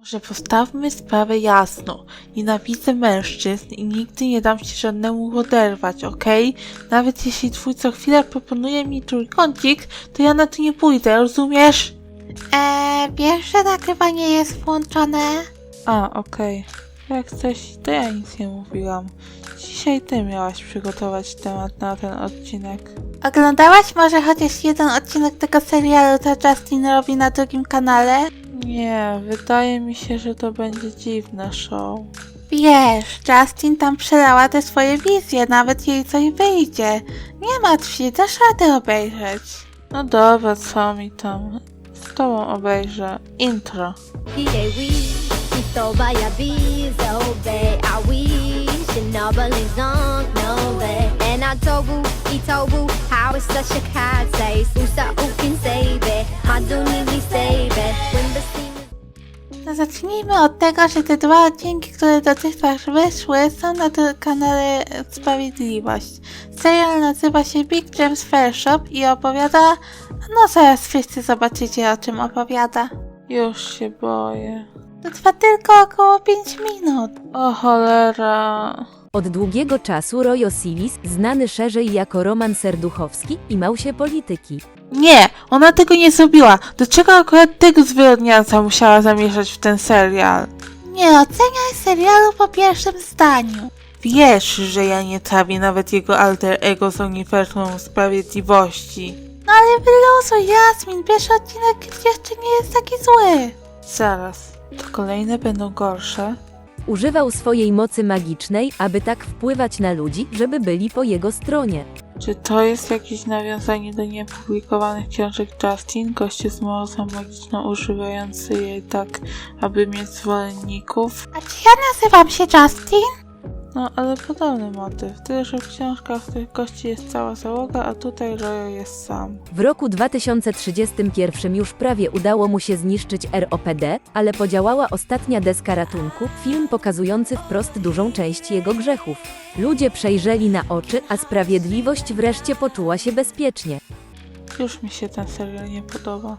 Może postawmy sprawę jasno. Nienawidzę mężczyzn i nigdy nie dam się żadnemu oderwać, okej? Nawet jeśli twój co chwilę proponuje mi trójkącik, to ja na to nie pójdę, rozumiesz? Wiesz, że nagrywanie jest włączone? Okej. Jak coś, to ja nic nie mówiłam. Dzisiaj ty miałaś przygotować temat na ten odcinek. Oglądałaś może chociaż jeden odcinek tego serialu, co Justin robi na drugim kanale? Nie, wydaje mi się, że to będzie dziwne show. Wiesz, Justin tam przelała te swoje wizje, nawet jej coś wyjdzie. Nie martw się, dasz radę obejrzeć. No dobra, co mi tam? Z tobą obejrzę. Intro. No zacznijmy od tego, że te dwa odcinki, które dotychczas wyszły, są na tym kanale Sprawiedliwość. Serial nazywa się Big James Fair Shop i opowiada... No zaraz wszyscy zobaczycie, o czym opowiada. Już się boję. To trwa tylko około 5 minut. O cholera. Od długiego czasu Roy Osiris, znany szerzej jako Roman Serduchowski, imał się polityki. Nie, ona tego nie zrobiła. Dlaczego akurat tego zwyrodnialca musiała zamieszać w ten serial? Nie oceniaj serialu po pierwszym zdaniu. Wiesz, że ja nie trawię nawet jego alter ego z uniwersum sprawiedliwości. No ale wyluzuj, Jasmin, pierwszy odcinek jeszcze nie jest taki zły. Zaraz, to kolejne będą gorsze? Używał swojej mocy magicznej, aby tak wpływać na ludzi, żeby byli po jego stronie. Czy to jest jakieś nawiązanie do niepublikowanych książek Justin, goście z mocą magiczną używający jej tak, aby mieć zwolenników? A czy ja nazywam się Justin? No, ale podobny motyw, tyle że w książkach tych gości jest cała załoga, a tutaj Roy jest sam. W roku 2031 już prawie udało mu się zniszczyć ROPD, ale podziałała ostatnia deska ratunku, film pokazujący wprost dużą część jego grzechów. Ludzie przejrzeli na oczy, a sprawiedliwość wreszcie poczuła się bezpiecznie. Już mi się ten serial nie podoba.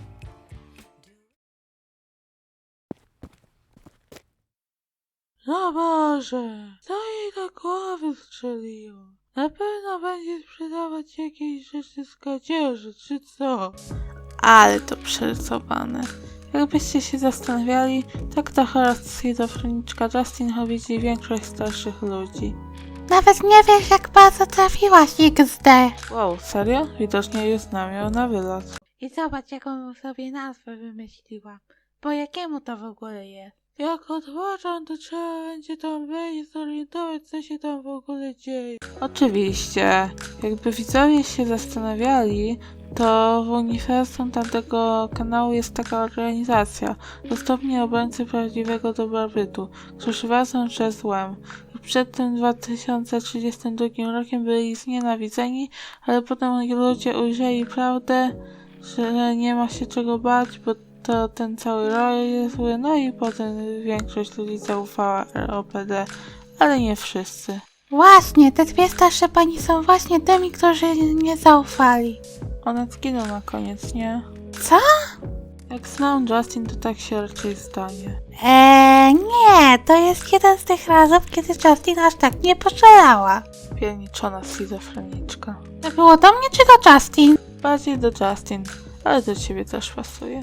No Boże, co jej do głowy strzeliło? Na pewno będzie sprzedawać jakieś rzeczy z kradzieży, czy co? Ale to przerysowane. Jakbyście się zastanawiali, tak ta chora schizofreniczka Justin widzi większość starszych ludzi. Nawet nie wiesz, jak bardzo trafiłaś XD. Wow, serio? Widocznie już znam ją na wylot. I zobacz, jaką sobie nazwę wymyśliłam. Po jakiemu to w ogóle jest? Jak odłożą, to trzeba będzie tam wejść i zorientować, co się tam w ogóle dzieje. Oczywiście, jakby widzowie się zastanawiali, to w uniwersum tamtego kanału jest taka organizacja, dostępni obrońcy prawdziwego dobrobytu, którzy walczą ze złem. I przed tym 2032 rokiem byli znienawidzeni, ale potem ludzie ujrzeli prawdę, że nie ma się czego bać, bo to ten cały Roy jest zły, no i potem większość ludzi zaufała ROPD, ale nie wszyscy. Właśnie, te dwie starsze pani są właśnie tymi, którzy nie zaufali. One zginą na koniec, nie? Co? Jak znam Justin, to tak się raczej stanie. Nie, to jest jeden z tych razów, kiedy Justin aż tak nie poszalała. Pierniczona schizofreniczka. To było do mnie czy do Justin? Bardziej do Justin, ale do ciebie też pasuje.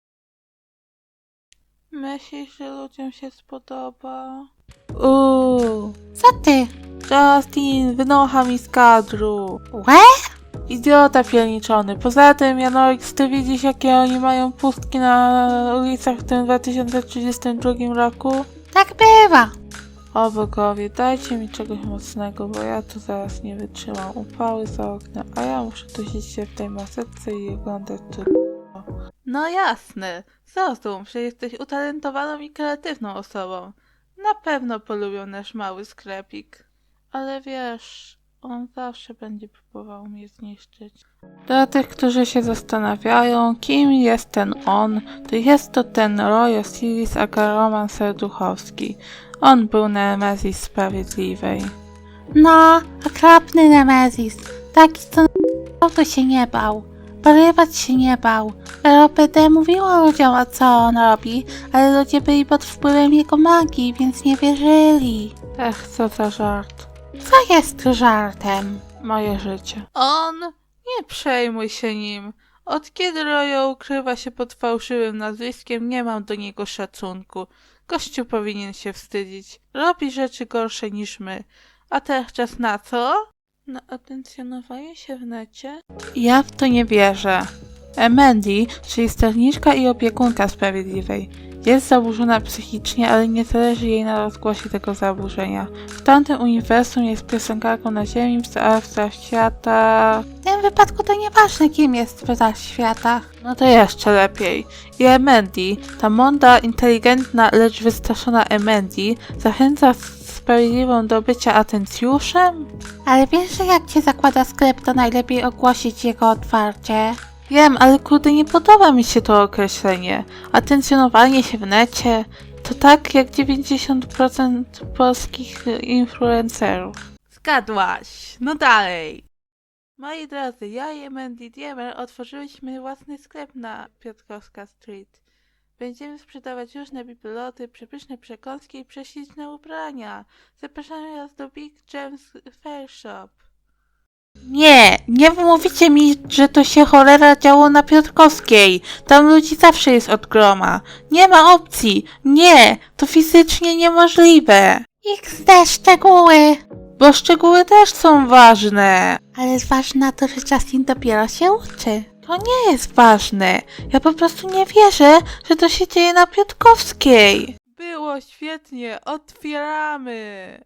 Myślisz, że ludziom się spodoba? Co ty? Justin, wynocha mi z kadru. Łe? Idiota pierniczony. Poza tym, Janorik, ty widzisz, jakie oni mają pustki na ulicach w tym 2032 roku? Tak bywa. O bogowie, dajcie mi czegoś mocnego, bo ja tu zaraz nie wytrzymam. Upały za oknem, a ja muszę dusić się w tej maseczce i oglądać tu. No jasne, zrozum, że jesteś utalentowaną i kreatywną osobą. Na pewno polubią nasz mały sklepik. Ale wiesz, on zawsze będzie próbował mnie zniszczyć. Dla tych, którzy się zastanawiają, kim jest ten on, to jest to ten Roy Osiris aka Roman Serduchowski. On był Nemezis Sprawiedliwej. No, okropny Nemezis. Taki, co to się nie bał. Porywać się nie bał. ROPD mówiło ludziom, o co on robi, ale ludzie byli pod wpływem jego magii, więc nie wierzyli. Ech, co za żart. Co jest żartem? Moje życie. On? Nie przejmuj się nim. Od kiedy Royo ukrywa się pod fałszywym nazwiskiem, nie mam do niego szacunku. Gościu powinien się wstydzić. Robi rzeczy gorsze niż my. A teraz czas na co? Na atencjonowanie się w necie? Ja w to nie wierzę. Mandy, czyli sterniczka i opiekunka Sprawiedliwej, jest zaburzona psychicznie, ale nie zależy jej na rozgłosie tego zaburzenia. W tamtym uniwersum jest piosenkarką na Ziemi, a w świata... W tym wypadku to nieważne, kim jest w światach. No to jeszcze lepiej. I Emendi, ta mądra, inteligentna, lecz wystraszona Emendi, zachęca Sprawiedliwą do bycia atencjuszem? Ale wiesz, że jak cię zakłada sklep, to najlepiej ogłosić jego otwarcie. Wiem, ale kurde, nie podoba mi się to określenie. Atencjonowanie się w necie to tak jak 90% polskich influencerów. Zgadłaś. No dalej. Moi drodzy, ja i Mandy Diemer otworzyliśmy własny sklep na Piotrkowska Street. Będziemy sprzedawać różne bibeloty, przepyszne przekąski i prześliczne ubrania. Zapraszamy Was do Big James Fair Shop. Nie wmówicie mi, że to się cholera działo na Piotrkowskiej. Tam ludzi zawsze jest od groma. Nie ma opcji. Nie, to fizycznie niemożliwe. XD szczegóły. Bo szczegóły też są ważne. Ale zważmy na to, że Justin dopiero się uczy. To nie jest ważne. Ja po prostu nie wierzę, że to się dzieje na Piotrkowskiej. Było świetnie. Otwieramy.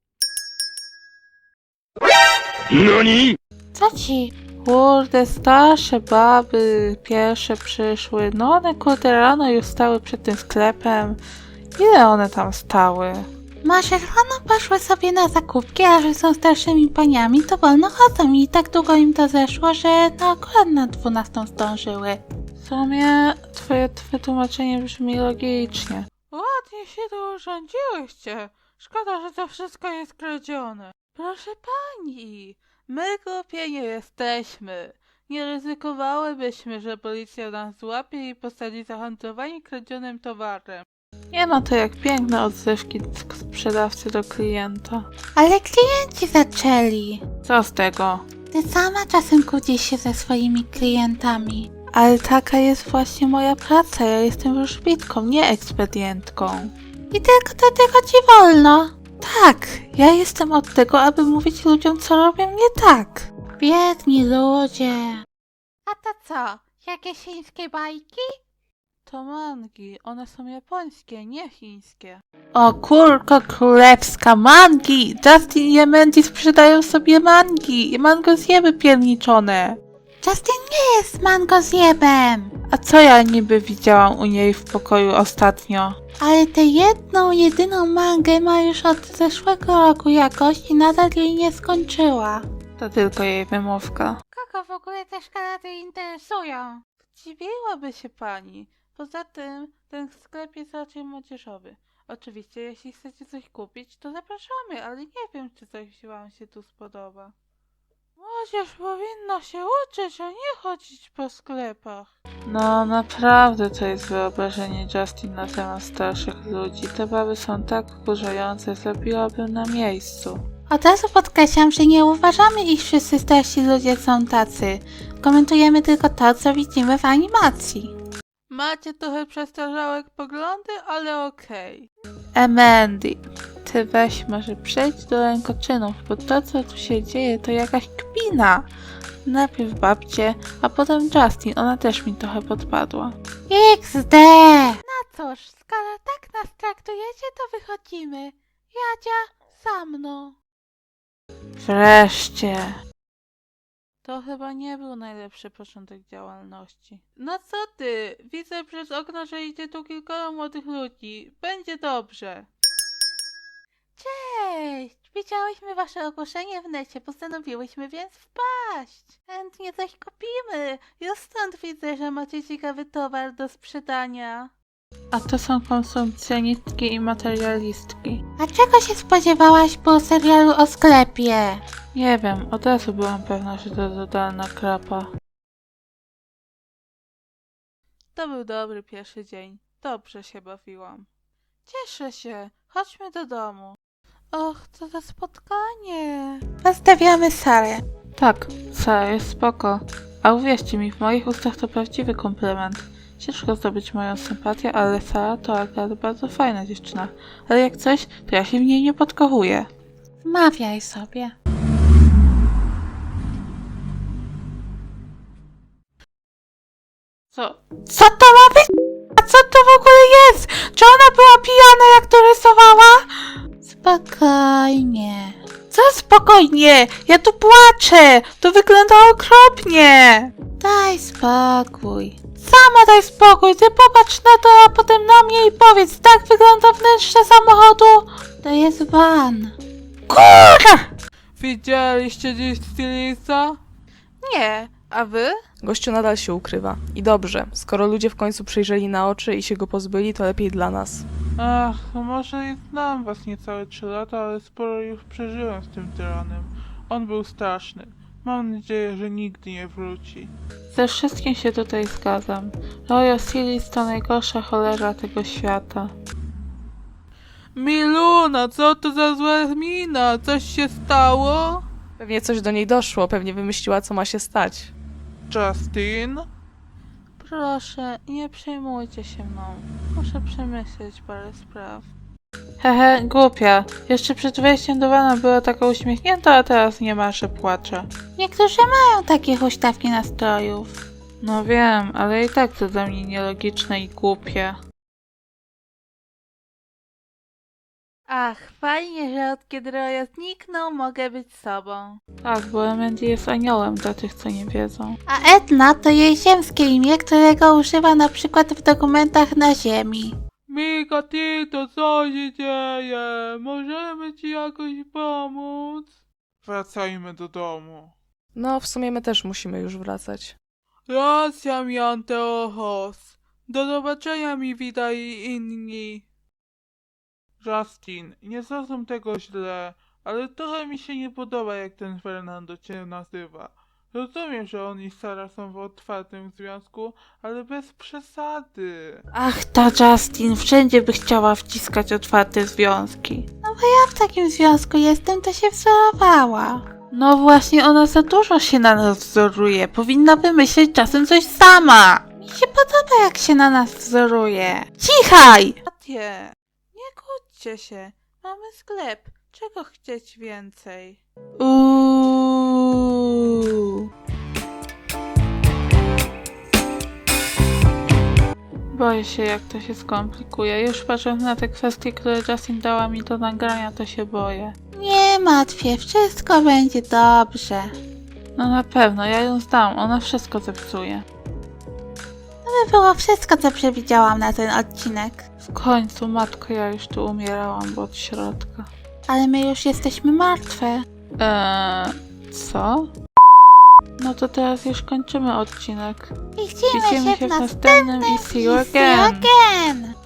NANI?! Co ci? Kurde, starsze baby pierwsze przyszły. No one kurde rano już stały przed tym sklepem. Ile one tam stały? Może rano poszły sobie na zakupki, a że są starszymi paniami, to wolno chodzą i tak długo im to zeszło, że no akurat na 12 zdążyły. W sumie twoje wytłumaczenie brzmi logicznie. Ładnie się tu urządziłyście. Szkoda, że to wszystko jest kradzione. Proszę pani, my głupie nie jesteśmy. Nie ryzykowałybyśmy, że policja nas złapie i posadzi za handlowanie kradzionym towarem. Nie ma to jak piękne odzywki sprzedawcy do klienta. Ale klienci zaczęli. Co z tego? Ty sama czasem kłócisz się ze swoimi klientami. Ale taka jest właśnie moja praca. Ja jestem wróżbitką, nie ekspedientką. I tylko do tego ci wolno. Tak, ja jestem od tego, aby mówić ludziom, co robią nie tak. Biedni ludzie. A to co? Jakieś chińskie bajki? To mangi, one są japońskie, nie chińskie. O kurko królewska, mangi! Justin i Mandy sprzedają sobie mangi i mango zjeby pierniczone. Justin nie jest mango zjebem. A co ja niby widziałam u niej w pokoju ostatnio? Ale tę jedną, jedyną mangę ma już od zeszłego roku jakoś i nadal jej nie skończyła. To tylko jej wymówka. Kogo w ogóle te szkarady interesują? Zdziwiłaby się pani. Poza tym, ten sklep jest raczej młodzieżowy. Oczywiście, jeśli chcecie coś kupić, to zapraszamy, ale nie wiem, czy coś wam się tu spodoba. Młodzież powinna się uczyć, a nie chodzić po sklepach. No, naprawdę to jest wyobrażenie Justin na temat starszych ludzi. Te baby są tak wkurzające, zrobiłabym na miejscu. Od razu podkreślam, że nie uważamy, iż wszyscy starsi ludzie są tacy. Komentujemy tylko to, co widzimy w animacji. Macie trochę przestarzałe poglądy, ale okej. Mandy, ty weź może przejdź do rękoczynów, bo to co tu się dzieje to jakaś kpina. Najpierw babcie, a potem Justin, ona też mi trochę podpadła. XD! No cóż, skoro tak nas traktujecie, to wychodzimy. Jadzia, za mną. Wreszcie. To chyba nie był najlepszy początek działalności. No co ty? Widzę przez okno, że idzie tu kilkoro młodych ludzi. Będzie dobrze. Cześć! Widziałyśmy wasze ogłoszenie w necie, postanowiłyśmy więc wpaść. Chętnie coś kupimy. Już stąd widzę, że macie ciekawy towar do sprzedania. A to są konsumpcjonistki i materialistki. A czego się spodziewałaś po serialu o sklepie? Nie wiem, od razu byłam pewna, że to totalna krapa. To był dobry pierwszy dzień. Dobrze się bawiłam. Cieszę się. Chodźmy do domu. Och, co za spotkanie. Pozdrawiamy Sarę. Tak, Sara jest spoko. A uwierzcie mi, w moich ustach to prawdziwy komplement. Ciężko zdobyć moją sympatię, ale Sara to akurat bardzo fajna dziewczyna. Ale jak coś, to ja się w niej nie podkochuję. Wmawiaj sobie. Co? Co to ma być? A co to w ogóle jest? Czy ona była pijana, jak to rysowała? Spokojnie. Co spokojnie? Ja tu płaczę. To wygląda okropnie. Daj spokój. Sama daj spokój. Ty popatrz na to, a potem na mnie i powiedz, tak wygląda wnętrze samochodu? To jest van. Kurwa! Widzieliście dziś stylista? Nie, a wy? Gościu nadal się ukrywa. I dobrze, skoro ludzie w końcu przyjrzeli na oczy i się go pozbyli, to lepiej dla nas. Ach, może i znam was niecałe 3 lata, ale sporo już przeżyłem z tym tyranem. On był straszny. Mam nadzieję, że nigdy nie wróci. Ze wszystkim się tutaj zgadzam. Royal Series to najgorsza cholera tego świata. Miluna, co to za zła mina? Coś się stało? Pewnie coś do niej doszło, pewnie wymyśliła, co ma się stać. Justin? Proszę, nie przejmujcie się mną. Muszę przemyśleć parę spraw. Hehe, głupia. Jeszcze przed wejściem do wana była taka uśmiechnięta, a teraz nie ma, że płacze. Niektórzy mają takie huśtawki nastrojów. No wiem, ale i tak to dla mnie nielogiczne i głupie. Ach, fajnie, że od kiedy Roya zniknął, mogę być sobą. Tak, bo Mandy jest aniołem dla tych, co nie wiedzą. A Edna to jej ziemskie imię, którego używa na przykład w dokumentach na Ziemi. Mika, Tito, co się dzieje? Możemy ci jakoś pomóc? Wracajmy do domu. No, w sumie my też musimy już wracać. Racja mi Anteochos. Do zobaczenia mi witaj i inni. Justin, nie zrozum tego źle, ale trochę mi się nie podoba, jak ten Fernando cię nazywa. Rozumiem, że on i Sara są w otwartym związku, ale bez przesady. Ach, ta Justin wszędzie by chciała wciskać otwarte związki. Ja w takim związku jestem, to się wzorowała. No właśnie, ona za dużo się na nas wzoruje. Powinna wymyśleć czasem coś sama. Mi się podoba, jak się na nas wzoruje. Cichaj! Tatie, nie kłóćcie się. Mamy sklep. Czego chcieć więcej? Boję się, jak to się skomplikuje. Już patrząc na te kwestie, które Justin dała mi do nagrania, to się boję. Nie martw się, wszystko będzie dobrze. No na pewno, ja ją znam. Ona wszystko zepsuje. To by było wszystko, co przewidziałam na ten odcinek. W końcu, matko, ja już tu umierałam, bo od środka. Ale my już jesteśmy martwe. Co? No to teraz już kończymy odcinek. I widzimy się w następnym i see you again! again.